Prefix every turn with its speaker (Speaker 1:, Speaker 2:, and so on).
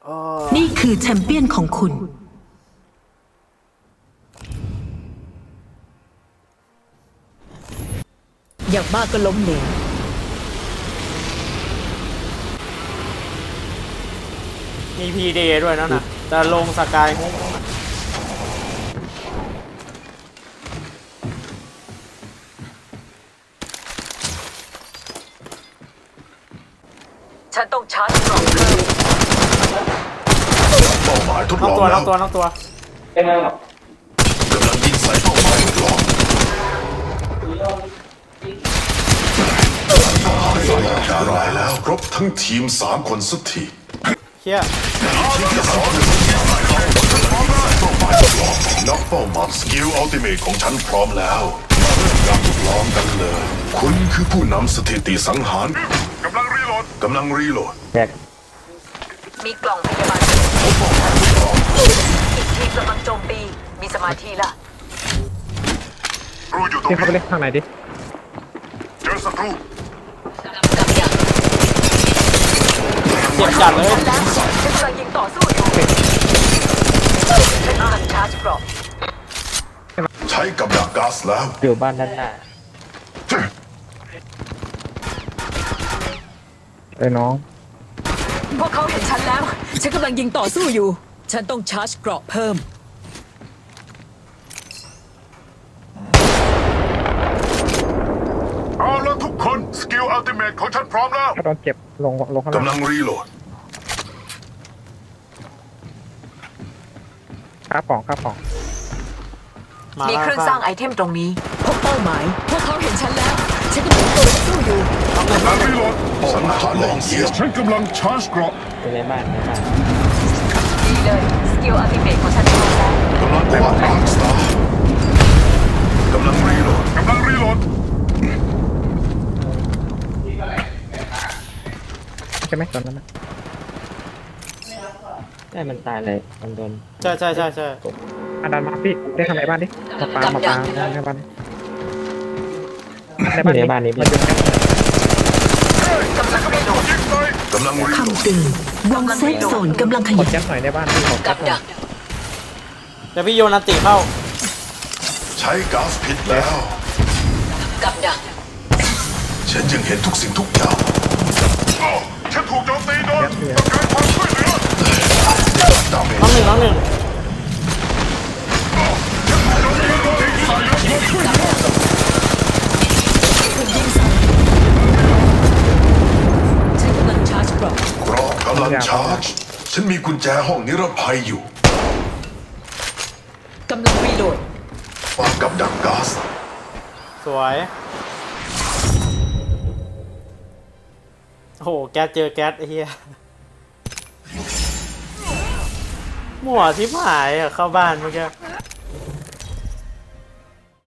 Speaker 1: นี่คือแชมเปี้ยนของคุณ
Speaker 2: อย่างมากก็ล้มเหลว
Speaker 3: มีพีเดย์ด้วยนะแต่ลงสกายงง
Speaker 2: ฉันต้องชาร์จกล่องเพิ่ม
Speaker 4: เป้าหมายทด
Speaker 3: น้
Speaker 4: ล
Speaker 3: อง
Speaker 4: อง
Speaker 3: ตัว
Speaker 4: แล้
Speaker 3: น้อ
Speaker 4: ว
Speaker 3: งตัวน้องตัว
Speaker 4: กำลังยิงใส่เป้าหมายทดลองได้แล้วครบทั้งทีม3 คนสักที
Speaker 3: เฮีย
Speaker 4: นักเป้าหมายสกิลอัลติเมทของฉันพร้อมแล้วมาเริ่มการทดลองกันเลย คุณคือผู้นำสถิติสังหารกำลังรีโหลด
Speaker 2: มีกล่องพยาบาลอีกทีมกำลังโจมตีมีสมาธิละ
Speaker 4: รูอยู่ตรง
Speaker 5: พี่เข้าไป
Speaker 4: นี้
Speaker 5: เล่นข้างในดิ
Speaker 4: เจอศัตรู
Speaker 2: กับยัง
Speaker 3: เจ็บจัดเลย
Speaker 2: ฉันแล้วฉันกำลังยิงต่อสู้อยู่ฉันกำลังชาร์จกล่อง
Speaker 4: ใช้กับดักก๊าซแล้ว
Speaker 5: อยู่บ้านด้านหน้าเอ้ยน้อง
Speaker 2: พวกเขาเห็นฉันแล้ว ฉันกำลังยิงต่อสู้อยู่ ฉันต้องชาร์จเกราะเพิ่ม
Speaker 4: เอาแล้วทุกคนสกิลอัลติเมทของฉันพร้อมแล้ว
Speaker 5: ถ้าโดนเจ็บลงข้างล่าง
Speaker 4: กำลังรีโหลด
Speaker 5: ข้าป่องข้าป่อง
Speaker 3: มา
Speaker 2: มี
Speaker 3: แล้ว
Speaker 2: เครื่องสร้างไอเทมตรงนี้ พบเป้าหมาย พวกเขาเห็นฉันแล้ว ฉันกำลังต่อสู้อยู่
Speaker 4: กำลังรีโหลดสังหารแหล่งเสียฉันกำลังชาร์จเกราะ
Speaker 5: ในบ้าน
Speaker 2: ดีเลย สกิลอัลติเมทของฉันพร้อมแล้ว
Speaker 4: กำลังกวาดล้างสตาร์กำลังรีโหลด
Speaker 5: ใช่ไหมตอนนั้นนะ
Speaker 6: ได้มันตายเลยมันโดน
Speaker 3: ใช่ใช่ใช่ใช่
Speaker 5: อันดันมาพี่เล่นข้างในบ้านดิมาปาในบ้านดิในบ้าน
Speaker 6: อยู่ในบ้านนี้
Speaker 5: มาอยู่ใน
Speaker 2: กำลังรีโหลด
Speaker 4: กำลังรีโหลด
Speaker 1: คำเตือนวงเซฟโซนกำลังข
Speaker 5: ก
Speaker 1: ยั
Speaker 5: ด
Speaker 1: บ
Speaker 5: แก๊สหน่อยในบ้านพี่ขอแก๊
Speaker 2: กั
Speaker 5: ส
Speaker 2: บ
Speaker 5: หน่
Speaker 2: ดั
Speaker 5: อย
Speaker 2: ก
Speaker 3: เดี๋ยวพี่โยนอันติเข้า
Speaker 4: ใช้ก๊าซพิษแล้ว
Speaker 2: กับดัก
Speaker 4: ฉันยังเห็นทุกสิ่งทุกอย่างฉันถูกโจมตีโดนต้องการความช่วยเหลือดาเมจ
Speaker 3: น้องหนึ่ง
Speaker 2: ฉันกำลังชาร์จเกราะ
Speaker 4: กรอบกำลังชาร์จ ฉันมีกุญแจห้องนิรภัยอยู่
Speaker 2: กำลังรีโหลด
Speaker 4: วางกับดักก๊าซ
Speaker 3: สวยโอ้โหแก๊สเจอแก๊สไอ้เหี้ยมั่วทิพหายอะเข้าบ้านเมื่อกี้